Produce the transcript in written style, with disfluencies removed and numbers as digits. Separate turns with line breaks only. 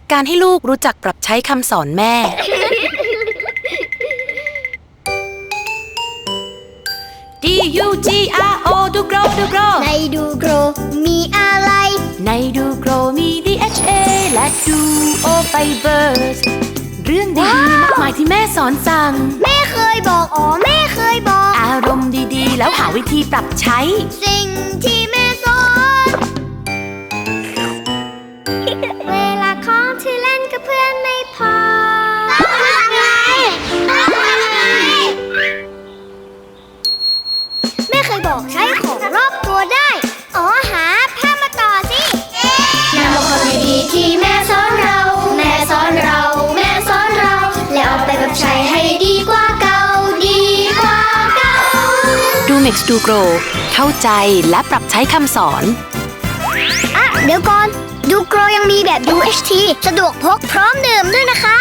การให้ลูกรู้จักปรับใช้คำสอนแม่ DUGRO ดูโกรดูโกร
ในดูโกรมีอะไร
ในดูโกรมี DHA และ Duo Fibers เรื่องดีๆมากมายที่แม่สอนสั่ง
แม่เคยบอกแม่เคยบอก
อารมณ์ดีๆแล้วหาวิธีปรับใช้
สิ่งที่แม่สอน เวลาของที่เล่นกับเพื่อนไม่พอต้องทำไงแม่เคยบอกใช้ของรอบตัวได้หาผ้ามาต่อสินำเอาความดีๆที่แม่สอนเราแม่สอนเราแม่สอนเราแล้วเอาไปปรับใช้ให้ดีกว่าเก่าดีกว่าเก่า
ดู Nex ดูโกรเข้าใจและปรับใช้คำสอน
เดี๋ยวก่อนดูโกรยังมีแบบ UHT สะดวกพกพร้อมดื่มด้วยนะคะ